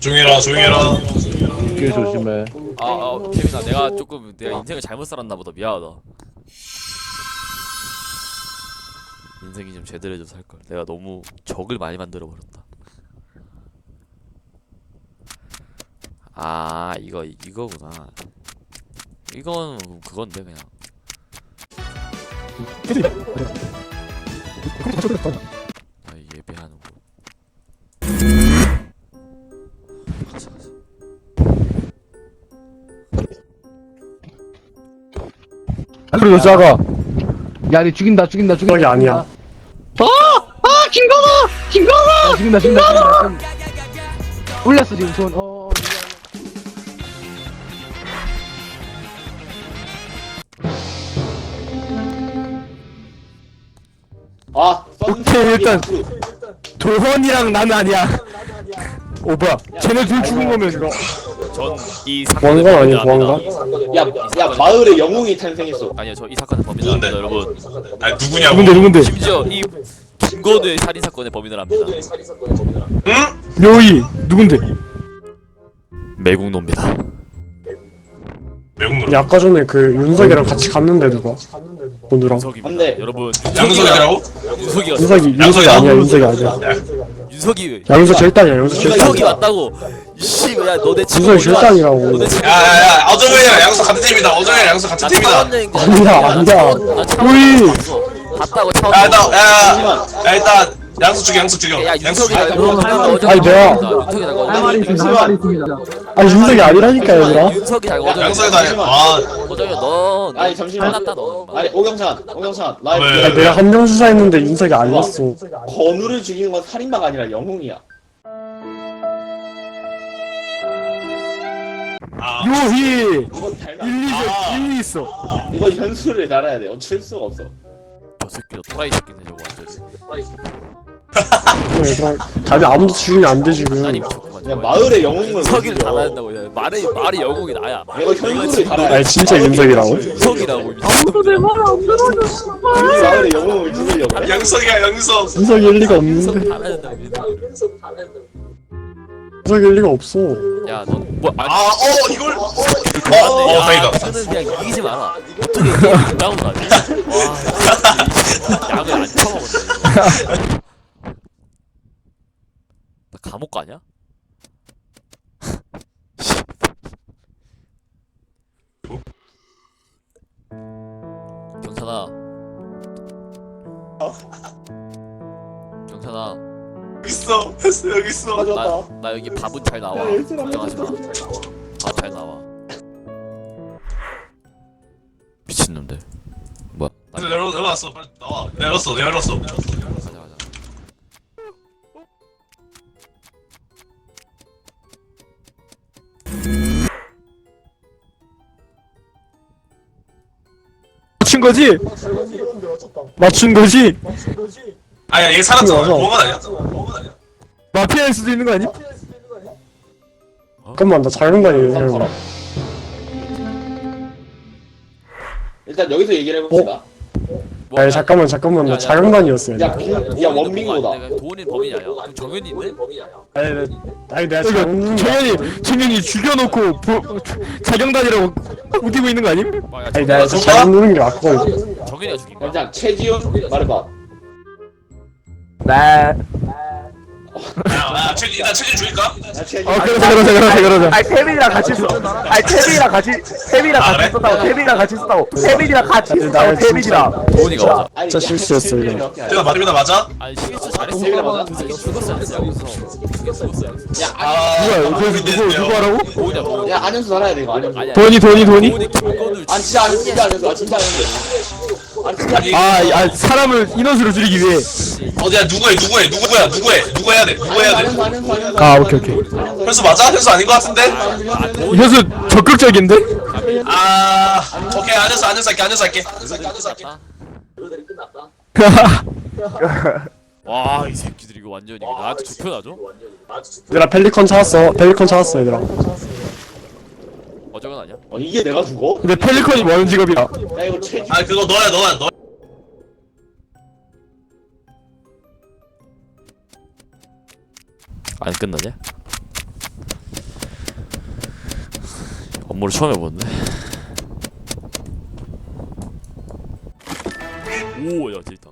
조용해라. 길 조심해. 케빈아, 내가 인생을 잘못 살았나 보다. 미안하다. 인생이 좀 제대로 좀 살걸. 내가 너무 적을 많이 만들어 버렸다. 아, 이거구나. 이건 그건데 그냥. 아, 예배하는 곳. 가자. 그리고 여자가 야, 니 죽인다. 그게 아니야. 죽인다. 올렸어 지금 손. 오케이, 일단 도헌이랑 나는 아니야. 오, 뭐야? 쟤네 둘 죽은 거면 이거 전이 사건의 보안관 아니야, 범인은 보안관? 야 마을에 영웅이 탄생했어. 아니요, 저 이 사건의 범인은 압니다, 여러분. 아니 누구냐고. 누군데? 심지어 이 김건우의 살인 사건의 범인을 압니다. 묘이 누군데? 매국노입니다. 매국노. 야, 아까 전에 그 윤석이랑 같이 갔는데 누가? 오늘랑 윤석입니다. 안돼. 여러분, 양석이라고? 윤석이 아니야. 윤석이 양석 절단이야. 양석 윤석이 절단. 왔다고. 씨, 야, 너내 친구 윤석이 절단이라고. 야야야, 어정이랑 양석 같은 팀이다. 어정이랑 양석 같은 팀이다. 아니야. 우리 봤다고 처음. 야, 일단 양석 죽여. 야, 양석 윤석이가 죽여. 아니, 내가 윤석이 나 아니 윤석이 아니라니까 얘들아. 윤석이 잘 양석이도 아니야. 아, 어정이야, 너. 아니 잠시만. 빨랐다 너. 아니 오경찬 라이브. 왜? 아니, 내가 한명 수사했는데 윤석이 아니었어. 건우를 죽이는 건 살인마가 아니라 영웅이야. 요희 이건 닮아. 일리 있어. 이건 현수를 달아야 돼. 어쩔 수가 없어. 저 새끼도 또라이 새끼네 저거 완전. 얘들아, 답이 아무도 죽이면 안 돼 지금. 아니 미쳤구만. 그냥 마을의 영웅을 석이를 죽여. 달아야 된다고. 야. 말이 영웅이 나야. 내가 현수를 달아야 돼. 아니 진짜 윤석이라고? 윤석이라고. 마을의 영웅을 죽이려고. 양석이야, 양석. 윤석이 일리가 윤석 없는데. 달아야 된다고. 윤석이 일리가 없어. 야, 너 뭐? 이걸. 맞네. 다행이다. 너는 그냥 이기지 마라. 어떻게 게임을 나온 거 아니야? 와, 약을 안 처먹었네. 나 감옥 가냐? 경찰아. 경찰아. 여기 있어. 나 여기 밥은 잘 나와. 걱정하지 마. 밥 잘 나와. 미친놈들. 뭐야? 열어놨어. 빨리 나와. 열었어. 가자. 맞춘 거지? 아야, 얘 살았잖아. 맞아. 보험은 아니야? 마피아일 수도 있는 거 아니? 잠깐만, 나 잘못 다니네. 일단 여기서 얘기를 해봅시다. 뭐, 아니 잠깐만, 나 자경단이었어. 야 원민고다. 도훈이 범인이 아니야. 그럼 정현이 있네? 아니 내가 정현이 죽여놓고 자경단이라고 웃기고 있는 거 아님? 아니 내가 잘못 누른 게 맞거든. 정현이가 죽인 거야. 일단 최지훈 말해봐. 네. 야, 일단 체질 줄일까? 그러자. 아니 태민이랑 같이 써. 아니 태민이랑 같이 그래? 썼다고. 태민이랑 같이 썼다고. 태민이랑 같이 썼다고. 태민이랑. 도훈이가 맞아. 아니, 진짜 실수였어, 이거. 태민아 맞아? 아니 실수 잘했어. 세민아 맞아? 그 새끼 죽었어야 됐어. 죽었어야 됐어. 야 누구야? 누구 하라고? 도훈이야. 야 안현수 달아야 돼 이거 안현수. 아니야. 돈이? 도훈이 김건우를 아니 진짜 안현수 진짜 안현수 진짜 안현수. 아니 진짜 사람을 인원수로 줄이기 위해. 어디야? 누구야? 누구 해야 돼? 안현수. 아, 오케이. 현수 맞아? 현수 아닌 것 같은데? 현수 적극적인데? 오케이. 안현수 할게. 와, 이 새끼들 이거 완전히 이거 나한테 좁혀놔줘? 얘들아, 펠리컨 찾았어, 얘들아. 어저건 아니야? 이게 내가 죽어? 근데 펠리컨이 뭐하는 직업이야? 야 이거 최지. 그거 너야. 안 끝나냐? 업무를 처음 해보는데. 오야 재밌다.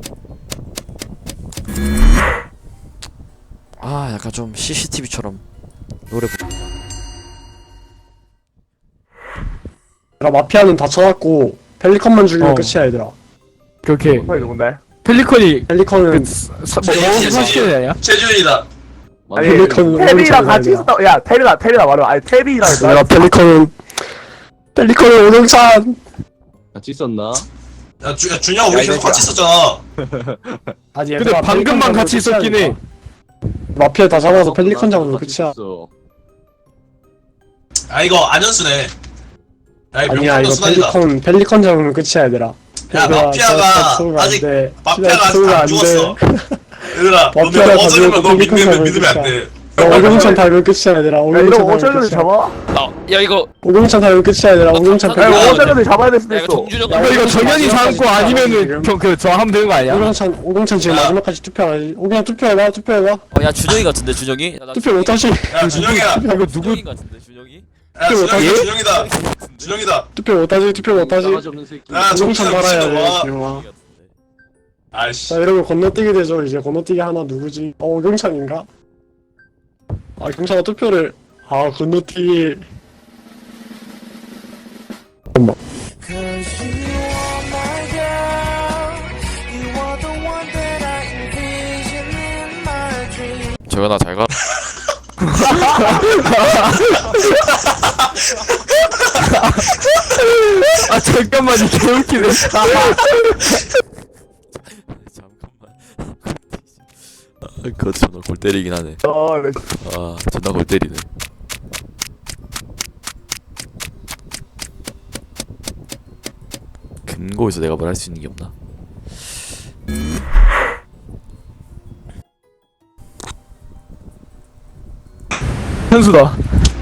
아 약간 좀 CCTV처럼 노래 마피아는 다 쳐놨고 펠리컨만 죽이면 끝이야 얘들아. 그렇게 형 누군데? 펠리컨이 펠리컨은 사실이 아니야? 최준이다. 아니 펠리컨은 태빈이랑 오른쪽으로 같이 가야 있었다. 야 태빈아 말해. 아니 태빈이랑 내가 펠리컨은 오동찬. 같이 있었나? 야 준영 우리 계속 같이 있었잖아. 아니 근데 얘들아, 방금만 펠리컨 같이 잡으면 있었긴 해. 끝이야. 마피아 다 잡아서 펠리컨 잡으면 끝이야. 아 이거 안현수네. 야 이거 아니야 명품도 이거 수단이다. 펠리컨 잡으면 끝이야 얘들아. 야 마피아가 아직 마피아가 아직 안 죽었어. 얘들아 너네 마피아가 어쩌면 너 가지고 믿으면 안 돼. 오경찬 닮으면 끝이야 얘들아. 야 오경찬 이거 닮으면 어쩌면 끝이야. 잡아? 야 이거 오경찬 닮으면 끝이야 얘들아. 오경찬 야 닮으면 이거 야, 어쩌면 잡아야 될 수도 야 이거 있어. 정준영 이거 정현이 잡고 아니면은 저 하면 되는 거 아니야? 오경찬 지금 마지막까지 투표하지. 오경찬 투표해봐. 야 준영이 같은데 준영이? 야, 나 투표 못하시. 야 준영이야. 이거 누구 준영이 같은데 준영이? 야 준영이 예? 준영이다. 준영이다. 투표 못하지. 싸가지 없는 새끼. 야 오경찬 정신 말아야 돼. 미친놈아. 지금아. 같은데. 아이씨. 자 이러면 건너뛰게 되죠. 이제 건너뛰기 하나 누구지? 오경찬인가? 아 경찬아 투표를. 아 건너뛰기. 잠깐만. 재현아 잘 가. 아 잠깐만 이 개웃기네. 잠깐만. 그거 존나 골 때리긴 하네. 아 존나 골 때리네. 근거에서 내가 뭘 할 수 있는 게 없나? 현수다.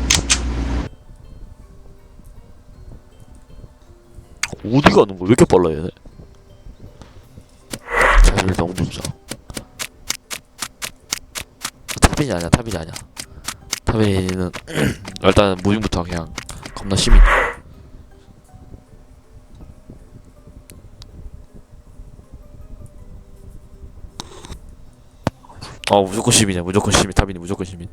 어디 가는 거야? 왜 이렇게 빨라 얘네? 자리를 너무 보자. 타빈이 아니야. 타빈이는 일단 무빙부터 그냥 겁나 시민. 무조건 시민이야. 무조건 시민. 타빈이 무조건 시민.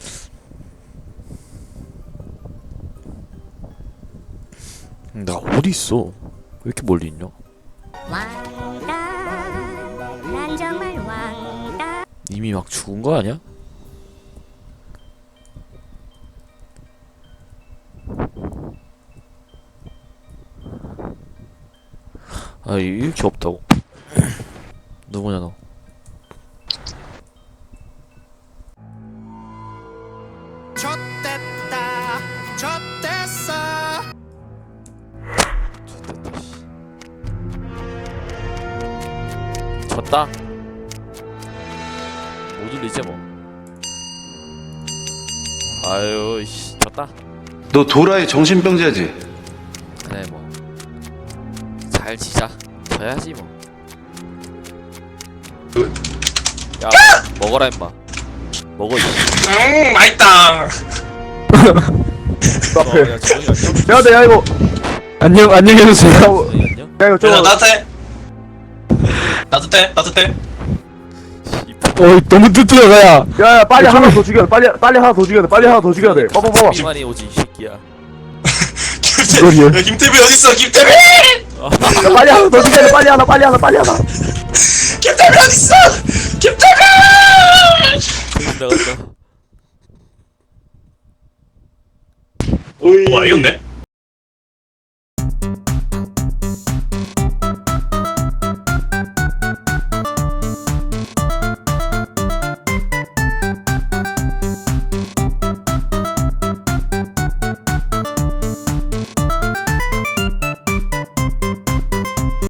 나 어디 있어? 왜 이렇게 멀리 있냐? 왕따 난 정말 왕따 이미 막 죽은 거 아니야? 아 이렇게 없다고? 누구냐 너? 졌다. 못 울리지 뭐. 아유 씨 졌다. 너 도라이 정신병자지? 그래 뭐. 잘 지자. 져야지 뭐. 야 먹어라 임마. 먹어 이. 맛있다. 야 정이 야 이거 안녕 해주세요. 안녕. 야 이거 얘들아 저 따뜻해. 너무 뜨뜨러가야. 야 빨리 하나 더 죽여. 빨리 하나 더 죽여야 돼. 봐봐. 비만이 오지 이 새끼야. 이거리요. 야 김태빈 어딨어? 김태빈! 야 빨리 하나 더 죽여야 돼. 빨리 하나. 김태빈 어딨어? 김태빈! 나갔다. 와 이겼네.